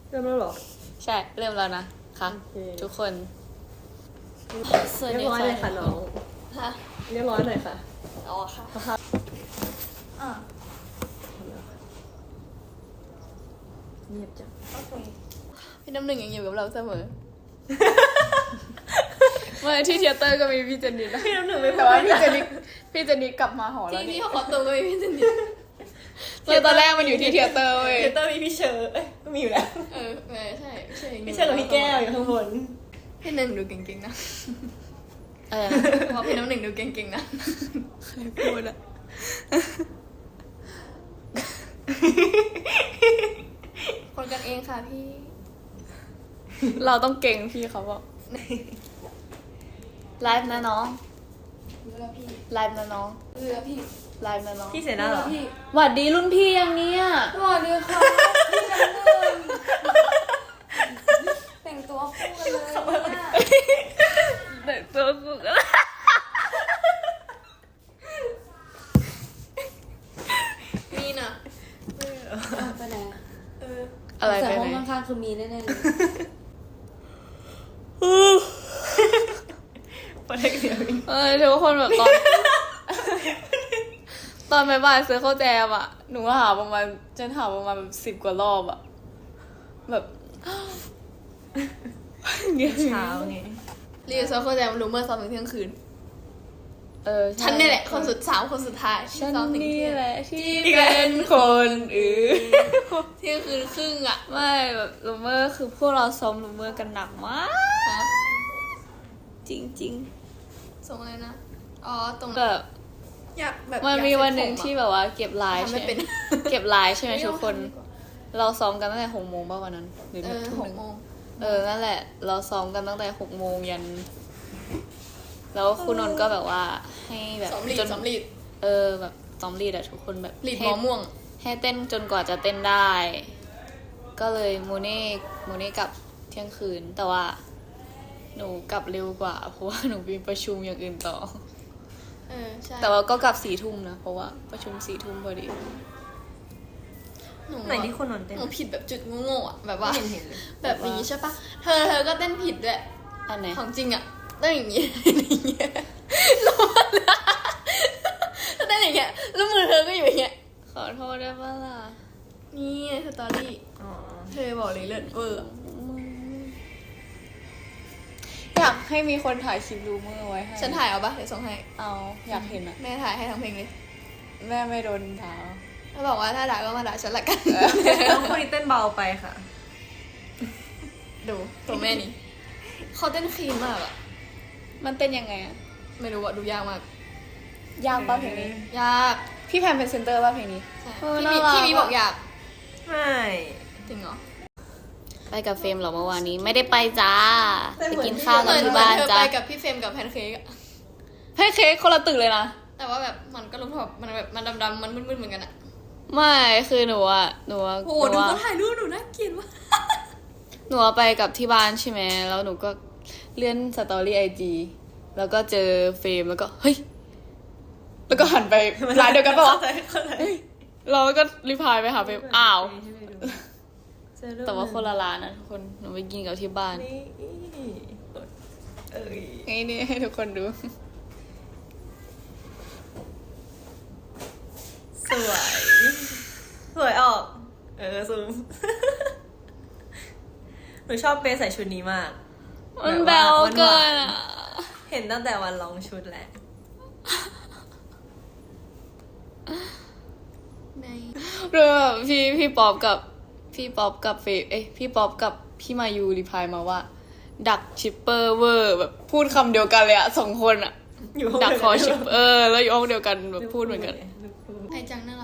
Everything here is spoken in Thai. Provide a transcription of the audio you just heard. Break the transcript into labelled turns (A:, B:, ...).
A: เริ่มแล้วเหรอ
B: ใช่เริ่มแล้วนะค่ะทุกคน
A: เรียบร้อยเลยค่ะน้อง
B: ฮะ
A: เรียบร้อยหน่อยค่ะ
B: อ๋อค่ะ
A: สภาพเงียบจัง
B: พี่น้ำหนึ่งยังอยู่กับเราเสมอเมื่อที่เทเตอร์ก็มีพี่เจนนี่นะ
A: พี่น้ำหนึ่งไม่พ
B: แต่
A: อ
B: ว่าพี่เจนนี่กลับมาหอแล้ว
C: ที่เขาขอตัวก็มีพี่เจนนี่
B: ตอนแรกมันอยู่ที่เทเตอร์เว้ย
A: เทเตอร์มีพี่เชอร์ก็มีอยู่แล้ว
C: ใช่
A: พี่เชอร์กับพี่แก้วอยู่ข้างบน
C: พี่หนึ่งดูเก่งๆนะเพราะพี่น้ำหนึ่งดูเก่งๆนะ
B: พูดอะ
C: คนกันเองค่ะพี่
B: เราต้องเก่งพี่เขาบอกไลฟ์นะน้อง
C: รู้แล้วพี่
B: ไลฟ์นะน้อง
C: รู้แล้วพี่
B: ไลฟ์นะน้อง
A: พี่เสนาเหรอ
C: พี่
B: หวัดดีรุ่นพี่ยังเนี้ย
C: สวัสดีค่ะพี่น้ำหนึ่งแต่งตัวคู่กันเลยเนี่ย
B: เด็กตัวกูก็
C: มีน่ะ
D: ไปไหน
B: อะไร
D: แต่
B: ไป
D: ห้อง
B: ไหน
D: ข้างๆคือมีแน่ๆเลย
A: ประเด็นเดียว
B: ทุกคนแบบตอนบ่ายๆซื้อข้าวแจมอ่ะหนูหาประมาณแบบ10 กว่ารอบอ่ะแบบ
A: เช้าไง
C: รีวิวโซโคแจมรู้เมื่อซ้อมถึงเที่ยงคืน
B: ใช่
C: ฉันนี่แหละคนสุดท้าย
B: ฉัน
C: ซ้อมถึง
B: นี่
C: เที่ยง
B: แหละที่เป็นคนอื่น
C: เที่ยงคืนครึ่งอ่ะ
B: ไม่แบบลูเมอร์คือพวกเราซ้อมลูเมอร์กันหนักมาก จริง
C: ส่งอะไรนะอ๋อตรง
B: ๆแบบ
C: อยากแบบ
B: มันมีวันหนึ่งที่แบบว่าเก็บไลน์
C: ทำ
B: ใช่
C: ไม่
B: ไหม
C: เป็น
B: เก็บไลน์ใช่ไหมทุกคน เราซ้อมกันตั้งแต่6 โมงป่ะวันนั้นหรือทุ่มหนึ่ง
C: 6 โมง
B: นั่นแหละ เราซ้อมกันตั้งแต่6 โมงยันแล้วคุณนนท์ก็แบบว่าให้แบบ
C: ซ้อมลีด
B: จน
C: ซ้อมลีด
B: แบบซ้อมลีดอะทุกคนแบบ
C: ลีดห
B: ให้
C: มอม่วง
B: ให้เต้นจนกว่าจะเต้นได้ ก็เลยโมเน่กลับเที่ยงคืน แต่ว่า หนูกลับเร็วกว่า เพราะว่าหนูมีประชุมอย่างอื่นต่อ
C: ใช่
B: แต่ว่าก็กลับ4 ทุ่มนะเพราะว่าประชุม4 ทุ่มพอดี
C: หนู
A: ไหนที่คนนอนเต้น
C: หนูผิดแบบจุดโง่ๆอ่ะแบบว่า
A: เห็นเลย
C: แบบนี้ใช่ปะเธอก็เต้นผิดด้วย
B: อันไหน
C: ของจริงอ่ะเต้นอย่างนี้ อย่างเงี้ยแล้วมันเต้นอย่างเงี้ยแล้วมือเธอก็อยู่อย่างเงี้ย
B: ขอโทษได้ปะล่ะ
C: นี่สตอรี่
A: อ๋อ
C: เธอบอกเลยเลิศเวอร์
B: อยากให้มีคนถ่ายคลิปดูเมื่อไว้ให้
C: ฉันถ่ายเอาปะเดี๋ยวส่งให้
B: เอาอยากเห็นอะ
C: แม่ถ่ายให้ทั้งเพลงเลย
B: แม่ไม่โดนด่า
C: แล้วบอกว่าถ้าด่าก็มาด่าฉันละกัน
A: น้องคนนี้เต้นเบาไปค่ะ
C: ดูตัวแม่นี่เขาเต้นคลีนมากอ่ะ
B: มันเต้นยังไงอะ
C: ไม่รู้ว่าดูยากมาก
B: ยากป่ะเพลงนี้
C: ยาก
B: พี่แพมเป็นเซนเตอร์ป่ะเพลงนี้
C: ใช่
B: เน่ารัก
C: พี่มีบอกอยาก
A: ไม่
C: จริงเหรอ
B: ไปกับเฟรมเหรอเมื่อวานนี้ไม่ได้ไปจ้าไปกินข้าวกับที่บ้าน
C: เธอ
B: จ้า
C: ไปกับพี่เฟรมกับแพนเค้กอะ
B: ให้เค้กคนละตึกเลยนะ
C: แต่ว่าแบบมันก็รู้แบบมันแบบมันดำๆมันมืดๆเหมือนกันอะ
B: ไม่คือหนูอะ
C: โอ้โหดูเขาถ่ายรูปหนูน่าเกลียดว่ะ
B: หนูไปกับที่บ้านใช่ไหมแล้วหนูก็เลื่อนสตอรี่IGแล้วก็เจอเฟรมแล้วก็เฮ้ยแล้วก็หันไปร้านเดียวกันปะวะเราก็รีพลายไปหาเฟรมอ้าว แต่ว่าคนละร้านนะทุกคนหนูไปกินกับที่บ้าน
A: นี่เอ้ย
B: นี่ให้ทุกคนดู
A: สวย สวยออก ซูม หนูชอบเปย์ใส่ชุดนี้มาก
B: มันแบวเกินอะ
A: เห็นตั้งแต่วันลองชุดแหละ
C: ใน
B: เรื่องแบบพี่ป๊อปกับเฟย์พี่ป๊อปกับพี่มายูรีพลายมาว่า ดักชิปเปอร์เวอร์แบบพูดคำเดียวกันเลยอะ2 คนอะ
A: อยู่ห้อง
B: ดัก
A: เดียว
B: คอชิปแล้วอยู่ห้องเดียวกันแบบพูดเหมือนกัน
C: ไอจังน่า